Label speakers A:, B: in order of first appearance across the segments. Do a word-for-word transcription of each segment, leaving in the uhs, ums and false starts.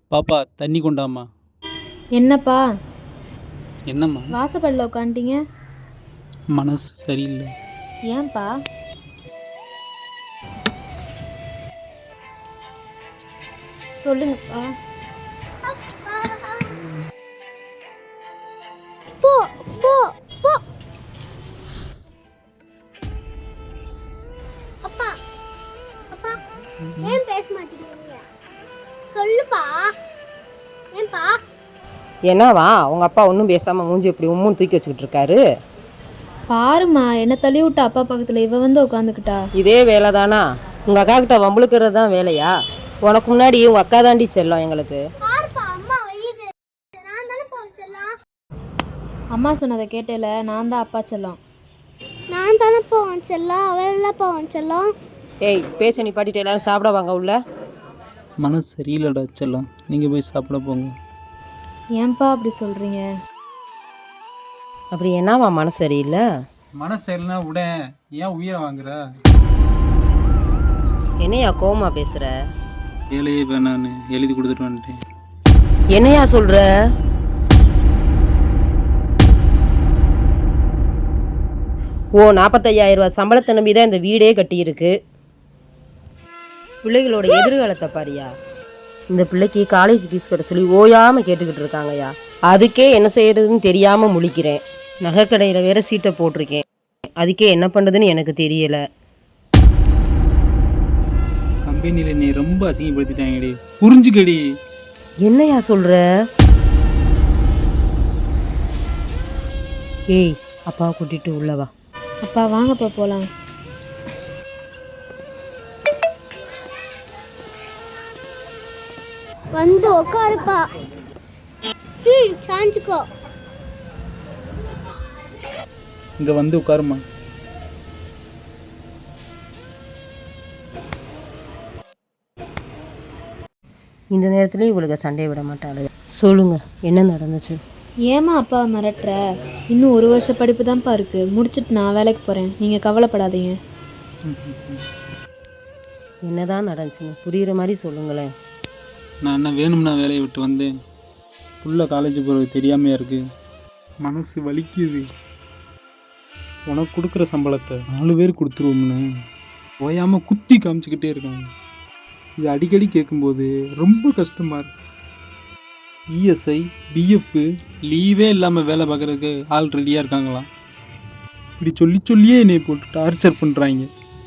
A: பாப்பா தண்ணி கொண்டாம்மா.
B: என்னப்பா
A: என்னம்மா?
B: வாசப்படில் உட்காந்துட்டீங்க?
A: மனசு சரியில்லை.
B: ஏன்பா? சொல்லுங்கப்பா.
C: போ போ போ. அப்பா அப்பா ஏன் பேச மாட்டேங்கிறீங்க? சொல்லுப்பா. ஏன்பா?
D: என்னவா உங்க அப்பா ஒன்றும் பேசாம மூஞ்சி இப்படி உம்முன்னு தூக்கி வச்சுக்கிட்டு இருக்காரு?
B: பாருமா, என்ன தள்ளி விட்டு அப்பா பக்கத்தில் இவ வந்து உட்காந்துக்கிட்டா.
D: இதே வேலை தானா? உங்க அக்கா கிட்ட வம்புழுக்கிறது தான் வேலையா? உனக்கு முன்னாடி உங்க அக்கா தாண்டி செல்லம் எங்களுக்கு.
C: பாருப்பா, அம்மா வையுது. நான் தானே போக செல்லம்.
B: அம்மா சொன்னதை கேட்டேல, நான் தான் அப்பா செல்லம்.
C: நான் தானே போவேன் செல்லம், அவள் போவேன் செல்லம்.
D: ஏய், பேச நீ பாட்டிட்டு எல்லாரும் சாப்பிட வாங்க உள்ள.
A: மனசு சரியில்லடா செல்லம், நீங்கள் போய் சாப்பிட போங்க.
B: ஏன்பா அப்படி சொல்கிறீங்க?
D: அப்படி என்னவா மனசு சரியில்லை?
A: மனசு சரியில்லைனா விட ஏன் உயிரை வாங்குற?
D: என்னையா கோவமா பேசுற?
A: வேலையே வேணான்னு எழுதி கொடுத்துட்டு வந்துட்டேன்.
D: என்னையா சொல்ற? ஓ நாற்பத்தையாயிரம் ரூபாய் சம்பளத்தை நம்பி தான் இந்த வீடே கட்டியிருக்கு. பிள்ளைகளோட எதிர்காலத்தை பாரியா. இந்த பிள்ளைக்கு காலேஜ் ஃபீஸ் கட்ட சொல்லி ஓயாமல் கேட்டுக்கிட்டு இருக்காங்கய்யா. அதுக்கே என்ன செய்யறதுன்னு தெரியாமல் முழிக்கிறேன். நகைக்கடையில் வேற சீட்டை போட்டிருக்கேன். அதுக்கே என்ன பண்ணுறதுன்னு எனக்கு தெரியலை.
A: கம்பெனியில் நீ ரொம்ப அசிங்கப்படுத்திட்டாங்கடி, புரிஞ்சுக்கடி.
D: என்னையா சொல்கிற? ஏய், அப்பாவை கூட்டிகிட்டு உள்ளவா.
B: அப்பா வாங்கப்பா போகலாம்.
C: வந்து உட்காருப்பா. ம் சாஞ்சுக்கோ.
A: இங்கே வந்து உட்காருமா.
D: இந்த நேரத்துலேயும் இவளுக்கு சண்டையை விட மாட்டாளு. சொல்லுங்க, என்ன நடந்துச்சு?
B: ஏமா அப்பா மிரட்டுற? இன்னும் ஒரு வருஷம் படிப்பு தான்ப்பா இருக்குது. முடிச்சுட்டு நான் வேலைக்கு போகிறேன், நீங்கள் கவலைப்படாதீங்க.
D: என்னதான் நடந்துச்சுன்னு புரிகிற மாதிரி சொல்லுங்களேன்.
A: நான் என்ன வேணும்னா வேலையை விட்டு வந்தேன். புள்ள காலேஜ் போகிறது தெரியாமையா இருக்குது. மனசு வலிக்குது. உனக்கு கொடுக்குற சம்பளத்தை நாலு பேர் கொடுத்துருவோம்னு ஓயாமல் குத்தி காமிச்சிக்கிட்டே இருக்காங்க. இது அடிக்கடி கேட்கும்போது ரொம்ப கஷ்டமாக இருக்கு. இஎஸ்ஐ பிஎஃப் லீவே இல்லாமல் வேலை பார்க்குறதுக்கு ஆள் ரெடியாக இருக்காங்களாம். இப்படி சொல்லி சொல்லியே என்னை போட்டு டார்ச்சர் பண்ணுறாங்க.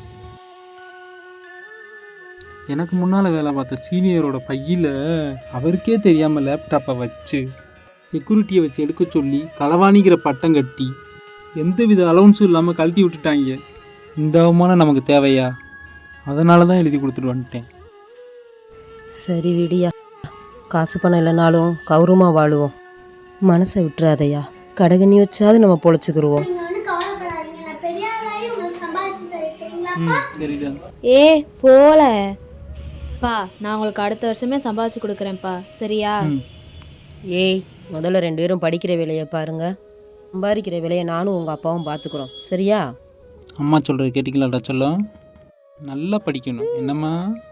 A: எனக்கு முன்னால் வேலை பார்த்த சீனியரோட பையில் அவருக்கே தெரியாமல் லேப்டாப்பை வச்சு செக்யூரிட்டியை வச்சு எடுக்க சொல்லி களவாணிக்கிற பட்டம் கட்டி எந்த வித அலவுன்ஸும் இல்லாமல் கழட்டி விட்டுட்டாங்க. இந்த அவமானம் நமக்கு தேவையா? அதனால தான் எழுதி கொடுத்துட்டு வந்துட்டேன்.
D: சரி விடியா, காசு பணம் இல்லைனாலும் கௌரவமாக வாழுவோம். மனசை விட்டுறாதையா. கடகண்ணி வச்சாவது நம்ம பொழைச்சிக்கிருவோம்.
C: நீங்க ஒன்றும் கவலைப்படாதீங்க. நான் பெரிய ஆளாகி உங்களுக்கு சம்பாதிச்சு தரீங்களா?
A: ம் சரிடா.
B: ஏ போல பா, நான் உங்களுக்கு அடுத்த வருஷமே சம்பாதிச்சு கொடுக்குறேன்ப்பா, சரியா?
D: ஏய், முதல்ல ரெண்டு பேரும் படிக்கிற வேலையை பாருங்க. சம்பாதிக்கிற வேலையை நானும் உங்கள் அப்பாவும் பார்த்துக்குறோம், சரியா?
A: அம்மா சொல்கிறது கேட்டிக்கலாம்டா சொல்லும். நல்லா படிக்கணும் என்னம்மா?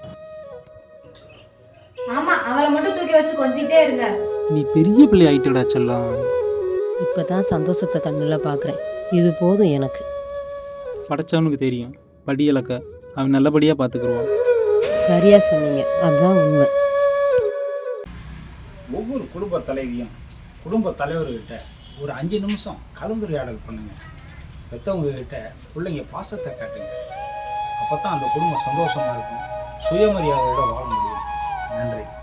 B: ஆமா, அவளை மட்டும் தூக்கி வச்சு கொஞ்சிட்டே இருங்க.
A: நீ பெரிய பிள்ளை ஆகிட்டடா சொல்லும்.
D: இப்போ தான் சந்தோஷத்தை கண்ணில் பார்க்குறேன். இது போதும் எனக்கு.
A: படைச்சவனுக்கு தெரியும் படி இலக்க, அவன் நல்லபடியாக பார்த்துக்குருவான்.
D: சரியா சொன்னீங்க, அதுதான் உண்மை.
E: ஒவ்வொரு குடும்ப தலைவியும் குடும்ப தலைவர்கிட்ட ஒரு அஞ்சு நிமிஷம் கலந்துரையாடல் பண்ணுங்க. பெற்றவங்க கிட்ட பிள்ளைங்க பாசத்தை காட்டுங்க. அப்போ தான் அந்த குடும்பம் சந்தோஷமாக இருக்கும், சுயமரியாதையோட வாழ முடியும். நன்றி.